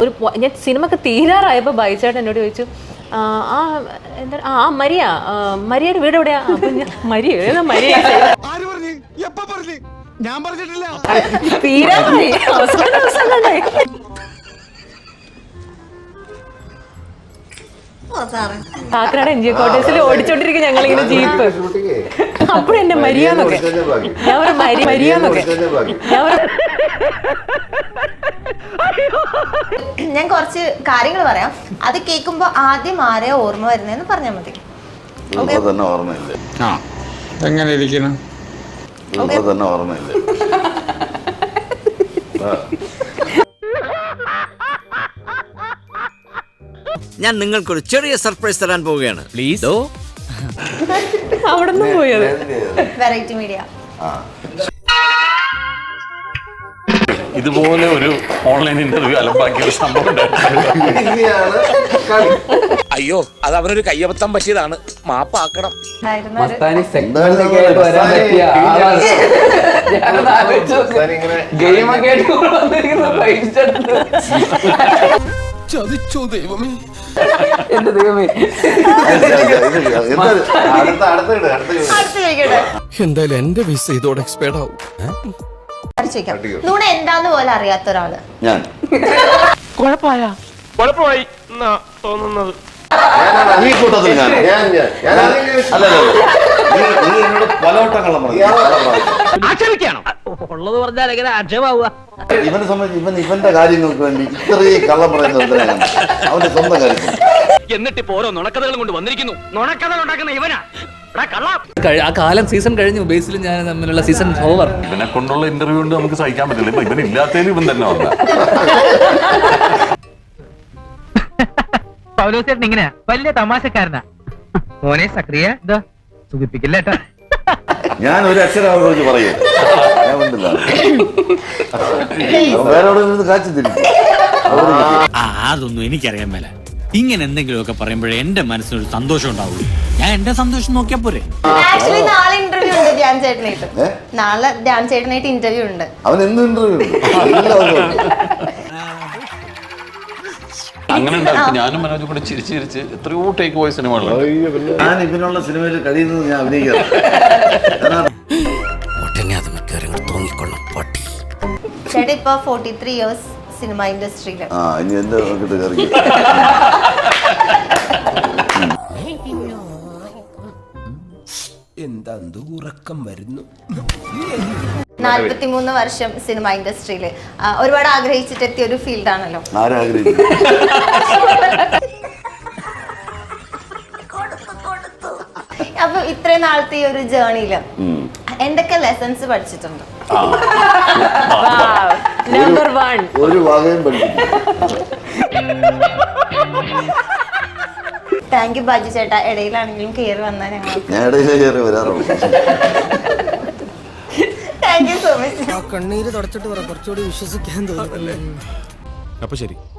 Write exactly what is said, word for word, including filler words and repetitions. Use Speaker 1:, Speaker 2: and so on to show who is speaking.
Speaker 1: ഒരു ഞാൻ സിനിമ ഒക്കെ തീരാറായപ്പോൾ ബൈചേട്ടൻ എന്നോട് ചോദിച്ചു, ആ എന്താ ആ മരിയ മരിയയുടെ വീട് എവിടെയാ? അപ്പൊ ഞാൻ മരിയ ഏതാ മരിയ തീരാറായി അവസാന ദിവസങ്ങളെ കാക്കനാട് എൻ ജി കോട്ടേഴ്സിൽ ഓടിച്ചോണ്ടിരിക്കും ഞങ്ങളിങ്ങനെ ജീപ്പ്. അപ്പോഴെന്നെ മരിയാന്നൊക്കെ ഞാൻ ഒരു മരി മരിയാന്നൊക്കെ ഞാൻ
Speaker 2: ഞാൻ കുറച്ച് കാര്യങ്ങൾ പറയാം. അത് കേൾക്കുമ്പോ ആദ്യം ആരെയോ ഓർമ്മ വരുന്നതെന്ന് പറഞ്ഞാൽ മതി.
Speaker 3: എങ്ങനെ ഇരിക്കണം?
Speaker 4: ഞാൻ നിങ്ങൾക്കൊരു ചെറിയ സർപ്രൈസ് തരാൻ പോവുകയാണ്. പ്ലീസ്.
Speaker 1: അവിടെ നിന്ന് പോയത്
Speaker 2: വെറൈറ്റി മീഡിയ
Speaker 5: ഇതുപോലെ ഒരു ഓൺലൈൻ ഇന്റർവ്യൂ അലമ്പാക്കിയ ഒരു സംഭവം.
Speaker 6: അയ്യോ, അത് അവനൊരു കയ്യബദ്ധം പറ്റിയതാണ്, മാപ്പാക്കണം.
Speaker 3: ചതിച്ചോ ദൈവമേ,
Speaker 7: എന്റെ ദൈവമേ.
Speaker 3: എന്തായാലും എന്റെ വിസ ഇതോടെ എക്സ്പയർഡ് ആവും.
Speaker 2: നുണ എന്താന്ന് പോലെ അറിയാത്ത ഒരാള്
Speaker 7: ഞാൻ
Speaker 6: കുഴപ്പമായ കുഴപ്പമായി എന്നാ തോന്നുന്നത്.
Speaker 7: ഈ കൂട്ടത്തിൽ ഞാൻ അല്ല എന്നോട് പലവട്ടം കള്ളം പറഞ്ഞു.
Speaker 4: ആക്ഷേപിക്കാണോ? ഉള്ളത് പറഞ്ഞാൽ എങ്ങനെ ആക്ഷേപാവുക?
Speaker 7: ഇവനെ സംബന്ധിച്ച് ഇവൻ ഇവന്റെ കാര്യങ്ങൾക്ക് വേണ്ടി ഇത്രയും കള്ളം പറയുന്നത് അവന്റെ സ്വന്തം കാര്യത്തിൽ.
Speaker 4: എന്നിട്ട് ഇപ്പൊ ഓരോ നുണക്കഥകളും കൊണ്ട് വന്നിരിക്കുന്നു. നുണക്കഥ ഉണ്ടാക്കുന്ന ഇവനാ.
Speaker 8: ആ കാലം സീസൺ കഴിഞ്ഞു. ബേസിലും ഞാൻ തമ്മിലുള്ള സീസൺ ഓവർ.
Speaker 5: ഇവനെ കൊണ്ടുള്ള ഇന്റർവ്യൂ കൊണ്ട് നമുക്ക് സഹിക്കാൻ പറ്റില്ല. ഇപ്പൊ ഇവനില്ലാത്തതിൽ ഇവൻ തന്നെ വന്ന
Speaker 9: പൗലോസേട്ടൻ ഇങ്ങനെ വലിയ തമാശക്കാരനാ. മോനെ സക്രിയ ഇതാ സുഖിപ്പിക്കില്ലേട്ടാ.
Speaker 7: ഞാൻ ഒരു അക്ഷരം അവരെ കുറിച്ച് പറയൂ. ഞാൻ ഉണ്ടല്ല വേറെ കാച്ചു തിരിച്ചു.
Speaker 4: അതൊന്നും എനിക്കറിയാൻ മേല. ഇങ്ങനെ എന്തെങ്കിലുമൊക്കെ പറയുമ്പോഴേ എന്റെ മനസ്സിനൊരു സന്തോഷം ഉണ്ടാവുള്ളൂ. ഞാൻ എന്റെ സന്തോഷം നോക്കിയാ പോരെ.
Speaker 2: ആക്ച്വലി നാളെ ഇന്റർവ്യൂ ഉണ്ട് ധ്യാൻ ചേട്ടനായിട്ട്. നാളെ ധ്യാൻ ചേട്ടനായിട്ട് ഇന്റർവ്യൂ ഉണ്ട്.
Speaker 7: അവൻ എന്ത് ഇന്റർവ്യൂ ഉണ്ട്?
Speaker 5: അങ്ങനെ ഉണ്ടാവും. ഞാനും മനോജും കൂടെ ചിരിച്ച് ചിരിച്ച് എത്രയോ ടേക്ക് പോയ സിനിമകളുണ്ട്.
Speaker 7: ഞാൻ ഇവനുള്ള സിനിമയിൽ കഴിയുന്നത് ഞാൻ അഭിനയിക്കാം.
Speaker 2: ചേട്ടാ ഇപ്പൊ ഫോർട്ടി ത്രീ ഇയേഴ്സ് സിനിമ ഇൻഡസ്ട്രിയില്.
Speaker 7: ആ ഇനി എന്താ നോക്കിട്ട് കയറി
Speaker 3: എന്താ ഉറക്കം വരുന്നു.
Speaker 2: നാല്പത്തിമൂന്ന് വർഷം സിനിമ ഇൻഡസ്ട്രിയില് ഒരുപാട് ആഗ്രഹിച്ചിട്ട് എത്തിയ ഒരു ഫീൽഡാണല്ലോ.
Speaker 7: ആരാഗ്രഹിച്ചു?
Speaker 2: അപ്പൊ ഇത്രയും നാളത്തെ ഈ ഒരു ജേർണിയില് എന്തൊക്കെ ലെസൺസ് പഠിച്ചിട്ടുണ്ട്?
Speaker 1: നമ്പർ വൺ,
Speaker 7: ഒരു വകയും പഠിച്ചു.
Speaker 2: താങ്ക് യു ബാജു ചേട്ടാ. ഇടയിലാണെങ്കിലും കയറി വന്നാൽ ഞങ്ങൾ
Speaker 7: ഞാൻ ഇടയിലേ കയറി വരാറുള്ളൂ.
Speaker 2: Thank you so much.
Speaker 3: കണ്ണീര് തുടച്ചിട്ട് പറ, കുറച്ചുകൂടി വിശ്വസിക്കാൻ തോന്നുന്നല്ലേ. അപ്പൊ ശരി.